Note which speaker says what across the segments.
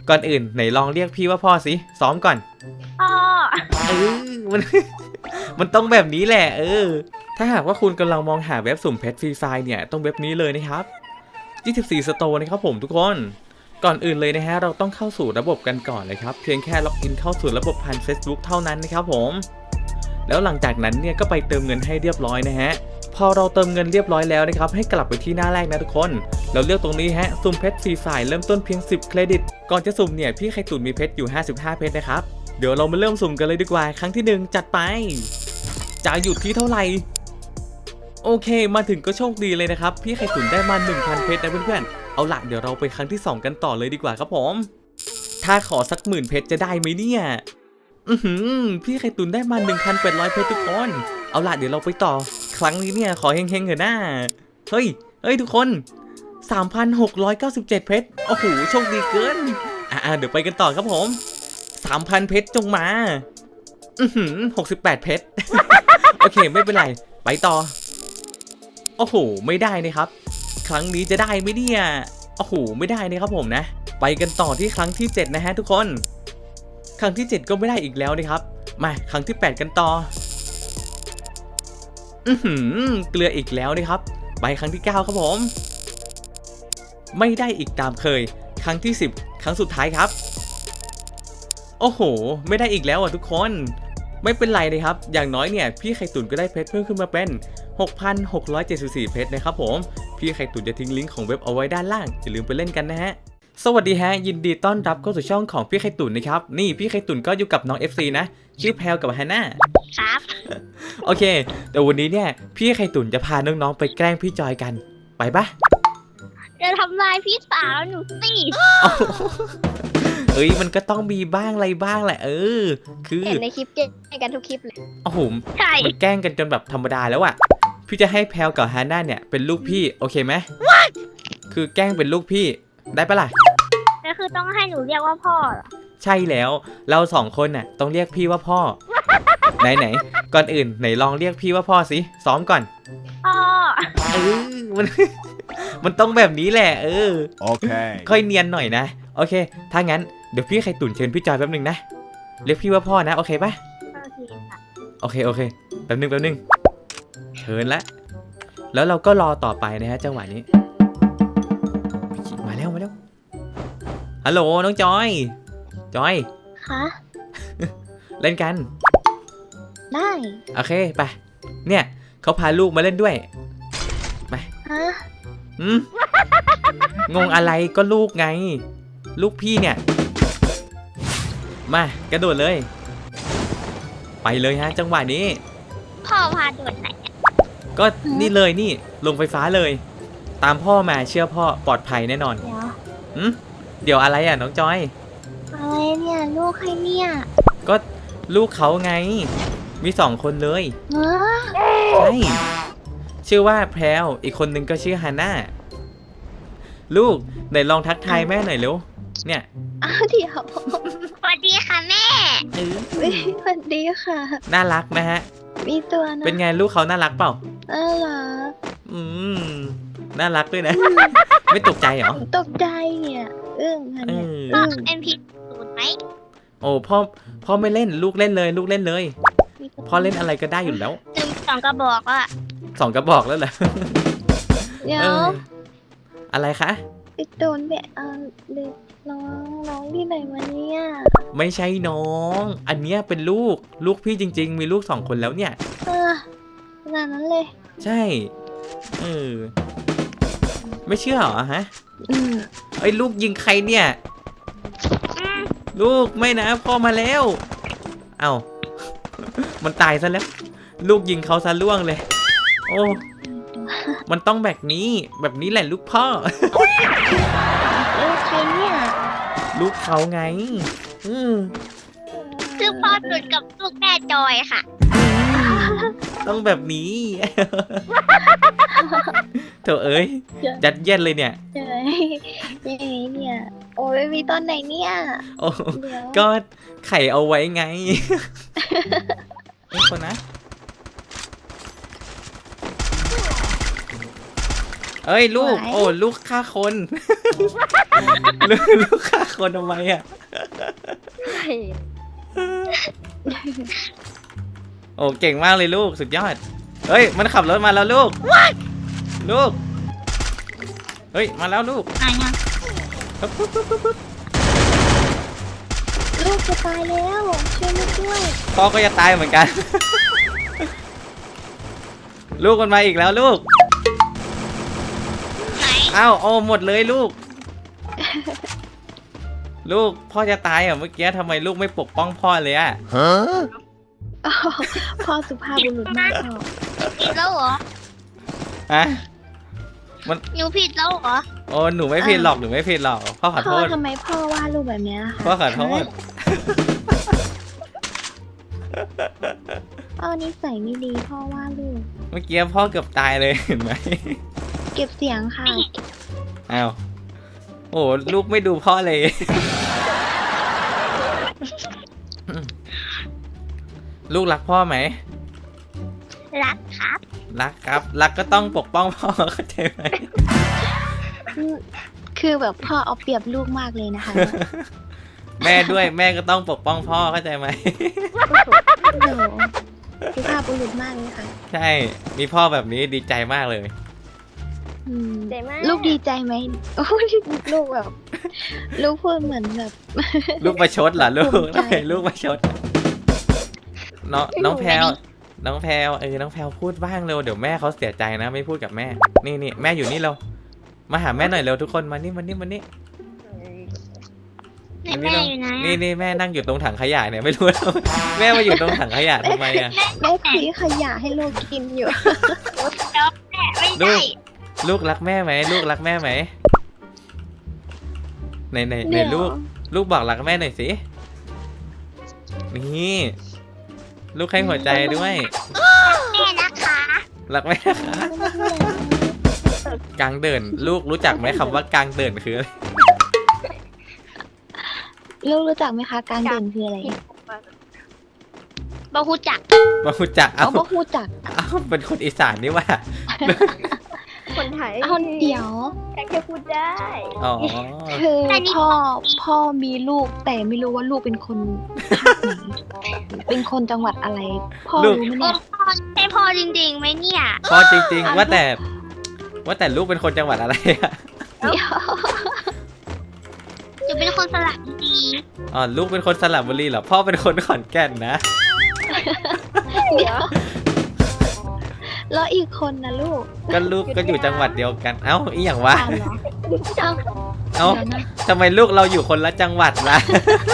Speaker 1: ก่อนอื่นไหนลองเรียกพี่ว่าพ่อสิซ้อมก่อน
Speaker 2: พ่อ
Speaker 1: มัน มันต้องแบบนี้แหละถ้าหากว่าคุณกำลังมองหาเว็บสุ่มเพชรฟรีไฟเนี่ยต้องเว็บนี้เลยนะครับ24 Store นะครับผมทุกคนก่อนอื่นเลยนะฮะเราต้องเข้าสู่ระบบกันก่อนเลยครับเพียงแค่ล็อกอินเข้าสู่ระบบผ่าน Facebook เท่านั้นนะครับผมแล้วหลังจากนั้นเนี่ยก็ไปเติมเงินให้เรียบร้อยนะฮะพอเราเติมเงินเรียบร้อยแล้วนะครับให้กลับไปที่หน้าแรกนะทุกคนเราเลือกตรงนี้ฮะสุ่มเพชรฟรีไฟเริ่มต้นเพียง10เครดิตก่อนจะสุ่มเนี่ยพี่ไข่ตุ๋นมีเพชรอยู่55เพชรนะครับเดี๋ยวเรามาเริ่มสุ่มกันเลยดีกว่าครั้งที่1จัดไปจะหยุดที่เท่าไหร่โอเคมาถึงก็โชคดีเลยนะครับพี่ไข่ตุ๋นได้มา 1,000 เพชรนะเพื่อนๆเอาละเดี๋ยวเราไปครั้งที่2กันต่อเลยดีกว่าครับผมถ้าขอสัก10,000เพชรจะได้ไหมเนี่ยพี่ไข่ตุ๋นได้มา 1,800 เพชรทุกคนเอาละเดี๋ยวเราไปต่อครั้งนี้เนี่ยขอเฮงๆเถอะนะเฮ้ยทุกคน 3,697 เพชรโอ้โหโชคดีเกินเดี๋ยวไปกันต่อครับผม 3,000 เพชรจงมา68 เพชร โอเคไม่เป็นไรไปต่อโอ้โหไม่ได้นะครับครั้งนี้จะได้ไหมเนี่ยโอ้โหไม่ได้นะครับผมนะไปกันต่อที่ครั้งที่7นะฮะทุกคนครั้งที่7ก็ไม่ได้อีกแล้วนะครับมาครั้งที่8กันต่อเกลืออีกแล้วนะครับไปครั้งที่9ครับผมไม่ได้อีกตามเคยครั้งที่10ครั้งสุดท้ายครับโอ้โหไม่ได้อีกแล้วทุกคนไม่เป็นไรเลยครับอย่างน้อยเนี่ยพี่ไข่ตุ๋นก็ได้เพชรเพิ่มขึ้นมาเป็น 6,674 เพชรนะครับผมพี่ไข่ตุ๋นจะทิ้งลิงก์ของเว็บเอาไว้ด้านล่างอย่าลืมไปเล่นกันนะฮะสวัสดีฮะยินดีต้อนรับเข้าสู่ช่องของพี่ไข่ตุ๋นนะครับนี่พี่ไข่ตุ๋นก็อยู่กับน้อง FC นะชื่อแพลกับฮาน่า
Speaker 2: ครับ
Speaker 1: โอเคแต่วันนี้เนี่ยพี่ไข่ตุ๋นจะพาน้องๆไปแกล้งพี่จอยกันไปปะ
Speaker 2: จะทำลายพี่สาวหนูสิ
Speaker 1: มันก็ต้องมีบ้างอะไรบ้างแหละคือ
Speaker 2: เห็นในคลิปแกล้งกันทุกคลิปเลย
Speaker 1: โอ้โห
Speaker 2: ใช่
Speaker 1: มันแกล้งกันจนแบบธรรมดาแล้วอะพี่จะให้แพลกับฮาน่าเนี่ยเป็นลูกพี่โอเคไหมคือแกล้งเป็นลูกพี่ได้ปะล่ะ
Speaker 2: ก็คือต้องให้หนูเรียกว่าพ่อเหรอ
Speaker 1: ใช่แล้วเรา2คนน่ะต้องเรียกพี่ว่าพ่อ ไหนก่อนอื่นไหนลองเรียกพี่ว่าพ่อสิซ้อมก่อน
Speaker 2: พ่อ
Speaker 1: มัน มันต้องแบบนี้แหละ
Speaker 3: โอเค
Speaker 1: ค่อยเนียนหน่อยนะโอเคถ้างั้นเดี๋ยวพี่ไข่ตุ๋นเชิญพี่จอยแป๊บนึงนะเรียกพี่ว่าพ่อนะโอเคปะโอเคแป๊บนึงเชิญละแล้วเราก็รอต่อไปนะฮะจังหวะนี้มาแล้วฮัลโหลน้องจอย
Speaker 2: คะ
Speaker 1: เล่นกัน
Speaker 2: ได้
Speaker 1: โอเคไปเนี่ยเขาพาลูกมาเล่นด้วยไป
Speaker 2: ฮะ
Speaker 1: งงอะไรก็ลูกไงลูกพี่เนี่ยมากระโดดเลยไปเลยฮะจังหวะนี้
Speaker 2: พ่อพาโดดไหน
Speaker 1: ก็นี่เลยนี่ลงไฟฟ้าเลยตามพ่อมาเชื่อพ่อปลอดภัยแน่นอนเดี๋ยวอะไรอ่ะน้องจอย
Speaker 2: อะไรเนี่ยลูกใครเนี่ย
Speaker 1: ก็ลูกเขาไงมี2คนเลยใช่ชื่อว่าแพรวอีกคนนึงก็ชื่อฮาน่าลูกไหนลองทักทายแม่หน่อยเร็วเนี่ย
Speaker 2: เดี๋ยวสวัสดีค่ะแม่สวัสดีค่ะ
Speaker 1: น่ารักนะฮะ
Speaker 2: มีตัวนะ
Speaker 1: เป็นไงลูกเขาน่ารักเปล่า
Speaker 2: เหรอ
Speaker 1: น่ารักด้วยนะไม่ตกใจเหรอ
Speaker 2: ตกใจเนี่ยค่ะเนี่ยเอ็มพีสูตรไหม
Speaker 1: โอ้พ่อไม่เล่นลูกเล่นเลยพ่อเล่นอะไรก็ได้อยู่แล้ว
Speaker 2: 2 กระบอกอ่ะ
Speaker 1: 2 กระบอกแล้วเหรอ
Speaker 2: เดี๋ยว
Speaker 1: อะไรคะ
Speaker 2: ติดโดนแบบเด็กน้องที่ไหนมาเนี่ย
Speaker 1: ไม่ใช่น้องอันเนี้ยเป็นลูกพี่จริงๆมีลูก2 คนแล้วเนี่ย
Speaker 2: ขนาดนั้นเลย
Speaker 1: ใช่ไม่เชื่อเหรอฮะลูกยิงใครเนี่ยลูกไม่นะพ่อมาแล้วเอ้ามันตายซะแล้วลูกยิงเขาซะล่วงเลยโอ้มันต้องแบบนี้แหละลูกพ่อ
Speaker 2: ลูกใครเนี่ย
Speaker 1: ลูกเขาไง
Speaker 2: คือพ่อสุดกับลูกแม่จอยค่ะ
Speaker 1: ต้องแบบนี้เถอะยัดเยียดเลยเนี่ย
Speaker 2: เนี่ยโอ้ยมีตอนไหนเนี่ย
Speaker 1: โอ้ก็ไข่เอาไว้ไงคนนะเอ้ยลูก
Speaker 2: ไหว
Speaker 1: โอ้ลูกฆ่าคน ลูกฆ่าคนทำไมอ่ะโอ้เก่งมากเลยลูกสุดยอดเฮ้ยมันขับรถมาแล้วลูกลูกเฮ้ยมาแล้วลูก
Speaker 2: ไหนอะ
Speaker 1: ปึ๊บปึ๊บปึ๊บปึ๊บปึ๊บ
Speaker 2: ลูกจะตายแล้วช่วยลูกด้วย
Speaker 1: พ่อก็จะตายเหมือนกัน ลูกมันมาอีกแล้วลูก
Speaker 2: ไหน
Speaker 1: อ้าวโอ้หมดเลยลูก ลูกพ่อจะตายอ่ะเมื่อกี้ทำไมลูกไม่ปกป้องพ่อเลยอ่ะ
Speaker 2: อ๋อพ่อสุภาพบุรุษมากพ่อผิดแล้วเหรอ
Speaker 1: ฮะ
Speaker 2: หนูผิดแล้วเหรอ
Speaker 1: โอ้หนูไม่ผิดหรอกหนูไม่ผิดหรอกพ่อขอ
Speaker 2: พ่
Speaker 1: โท
Speaker 2: อ
Speaker 1: ษ
Speaker 2: ทำไมพ่อว่าลูกแบบเนี้ยคะ
Speaker 1: พ่อขอโทษ
Speaker 2: พ่อนิสัยไม่ดีพ่อว่าลูก
Speaker 1: เมื่อกี้พ่อเกือบตายเลยเห็นไหม
Speaker 2: เก็บเสียงค่ะ
Speaker 1: อ้าวโอ้ลูกไม่ดูพ่อเลย ลูกรักพ่อไหม
Speaker 2: รักครับ
Speaker 1: รักครับ รักก็ต้องปกป้องพ่อเข้าใจไหม
Speaker 2: คือแบบพ่อเอาเปรียบลูกมากเลยนะคะ
Speaker 1: แม่ด้วยแม่ก็ต้องปกป้องพ่อเข้าใจไหม
Speaker 2: โอ้โหสุภาพบุรุษมากเลยค่ะ
Speaker 1: ใช่ มีพ่อแบบนี้ดีใจมากเลย
Speaker 2: อืม
Speaker 3: ใจมาก
Speaker 2: ลูกดีใจไหมโอ้ยลูกแบบ ลูกพูดเหมือนแบบ
Speaker 1: ลูกประชดเหรอลูก
Speaker 2: ภูมิใจ
Speaker 1: ลูกประชดน้องแพลวน้องแพลวน้องแพลวพูดบ้างเร็วเดี๋ยวแม่เขาเสียใจนะไม่พูดกับแม่ นี่แม่อยู่นี่เรามาหาแม่หน่อยเร็วทุกคนมานี่
Speaker 2: ไหน
Speaker 1: มา
Speaker 2: แม่อยู่ไหน
Speaker 1: นี่แม่นั่งอยู่ตรงถังขยะเนี่ยไม่รู้แล้ว แม่มาอยู่ตรงถังขยะทำไมอ่ะ
Speaker 2: แม่คุยขยะให้ลูกกินอยู่
Speaker 1: ลูกลูกรักแม่ไหมลูกรักแม่ไหมไหนลูกบอกรักแม่หน่อยสินี่ลูกให้หัวใจด้วย
Speaker 2: แม่นะคะ
Speaker 1: รักแม่นะคะกลางเดินลูกรู้จักไหมคำว่ากลางเดินคืออะไร
Speaker 2: ลูกรู้จักไหมคะ การเด่นคืออะไร
Speaker 3: บ่ฮู้จัก
Speaker 1: มารู้จัก
Speaker 2: เอาก็รู้จัก
Speaker 1: เอาเป็นคนอีสานนี่ว่า
Speaker 3: คนไทย
Speaker 2: เอาเดี๋ยว
Speaker 3: แค่พูดได้
Speaker 1: อ๋อ
Speaker 2: คือพ่อมีลูกแต่ไม่รู้ว่าลูกเป็นคนภาคไหน เป็นคนจังหวัดอะไร พ่อรู้ไหม
Speaker 3: โอ้
Speaker 2: เนี่ย
Speaker 3: พ่อใช่พ่อจริงๆไหมเนี่ย
Speaker 1: พอจริงๆว่าแต่ลูกเป็นคนจังหวัดอะไรอะ
Speaker 2: เดี๋ยว
Speaker 3: จะเป็นคนสระบุรี
Speaker 1: อ๋อลูกเป็นคนสระบุรีเหรอพ่อเป็นคนขอนแก่นนะ
Speaker 2: เดี๋ยวแล้วอีกคนนะลูก
Speaker 1: ก็ลูกก็อยู่จังหวัดเดียวกันเอ้าอีหยังวะ
Speaker 2: ตามเหรอ
Speaker 1: เอ้า
Speaker 2: เดี๋ยวนะ
Speaker 1: ทำไมลูกเราอยู่คนละจังหวัดล่ะ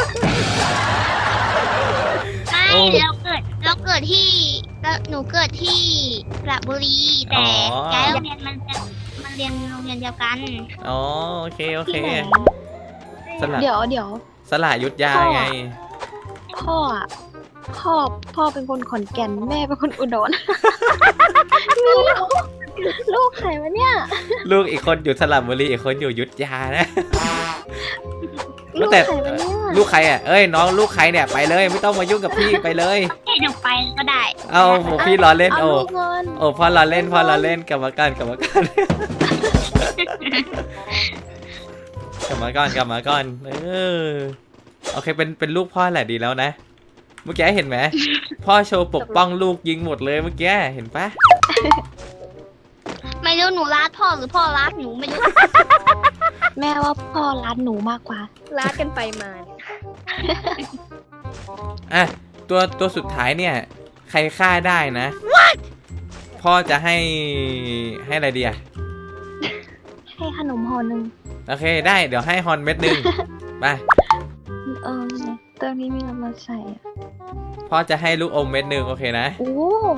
Speaker 3: ใช่
Speaker 1: โอ้
Speaker 3: เราเกิดที่หนูเกิดที่สระบุรีแต่ย้ายโรงเรียนมันเรียนโรงเรียนเดียวกัน
Speaker 1: อ๋อโอเค
Speaker 2: ที่ไหน
Speaker 1: สระ
Speaker 2: เดี๋ยว
Speaker 1: สระยุทธยาไง
Speaker 2: พ่ออะพ่อเป็นคนขอนแก่นแม่เป็นคนอุดร มีลูกใครวะเนี่ย
Speaker 1: ลูกอีกคนอยู่สระบุรีอีกคนอยู่ยุทธยานะ
Speaker 2: ลูก
Speaker 1: แต่
Speaker 2: ใครวะเนี่ย
Speaker 1: ลูกใครอ่ะเอ้ยน้องลูกใครเนี่ยไปเลยไม่ต้องมายุ่งกับพี่ไปเลย
Speaker 3: ให้หนูไปก็ได้
Speaker 1: เอาโหพี่ล้อเล่น
Speaker 2: เอา
Speaker 1: โอ้
Speaker 2: ลูกเงิน
Speaker 1: โอ้พ่อล้อเล่นพ่อล้อเล่นกลับมากันกลับมากัน กลับมาก่อนโอเคเป็นลูกพ่อแหละดีแล้วนะ เมื่อกี้เห็นไหมพ่อโชว์ปกป้องลูกยิงหมดเลยเมื่อกี้เห็นปะ
Speaker 3: ไม่รู้หนูรักพ่อหรือพ่อรักหนูไม่รู้
Speaker 2: แม่ว่าพ่อรักหนูมากกว่า
Speaker 3: รักกันไปมา
Speaker 1: อ่ะตัวสุดท้ายเนี่ย ใครฆ่าได้นะ พ่อจะให้อะไรดีอ่ะ
Speaker 2: ให้ขนมห่อหนึ่ง
Speaker 1: โอเคได้เดี๋ยวให้ฮอนเม็ดหนึ่งไป
Speaker 2: ตัวนี้มีน้ำมันใส่อะ
Speaker 1: พ่อจะให้ลูกอมเม็ดหนึ่งโอเคนะ
Speaker 2: โอ้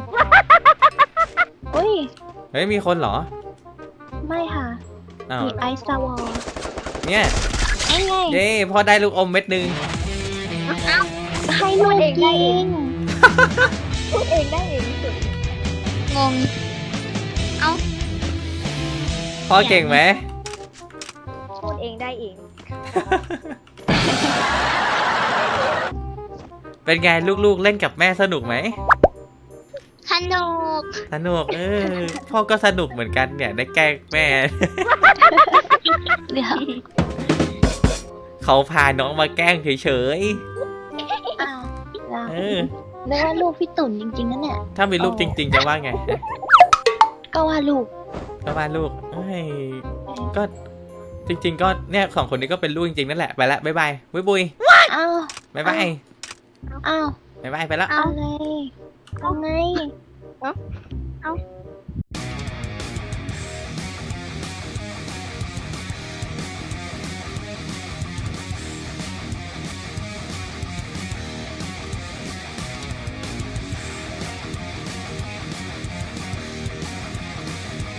Speaker 2: โอ้ย
Speaker 1: เฮ้ยมีคนเหรอ
Speaker 2: ไม่ค่ะ
Speaker 1: อ้าว
Speaker 2: มีไอซ์ซาวอล
Speaker 1: เนี่ย
Speaker 2: ไอ้ไง
Speaker 1: เย้พ่อได้ลูกอมเม็ดหนึ่ง
Speaker 2: ให้ลูกยิง
Speaker 3: พูดเองได้เองที่สุด
Speaker 2: งง
Speaker 1: พ่อเก่งไหม
Speaker 3: พูดเองได้เอง
Speaker 1: เป็นไงลูกๆเล่นกับแม่สนุกไหม
Speaker 3: สสนุก
Speaker 1: สนุกพ่อก็สนุกเหมือนกันเนี่ยได้แกล้งแม่
Speaker 2: เดี๋ยว
Speaker 1: เขาพาน้องมาแกล้งเฉย
Speaker 2: อ้าวเรา
Speaker 1: ๆ
Speaker 2: นึกว่าลูกพี่ตุ่นจริงๆนั่นเนี่ย
Speaker 1: ถ้ามีลูกจริง ๆ จะว่าไง
Speaker 2: ก็ว่าลูก
Speaker 1: ก็ว่าลูกก็จริง ๆ ก็เนี่ยสองคนนี้ก็เป็นลูกจริงๆนั่นแหละไปละบ๊ายบายบุย
Speaker 2: อ้าว
Speaker 1: บ๊ายบาย
Speaker 2: อ้าว
Speaker 1: บ๊ายบายไปละ
Speaker 2: อะไรเอาไง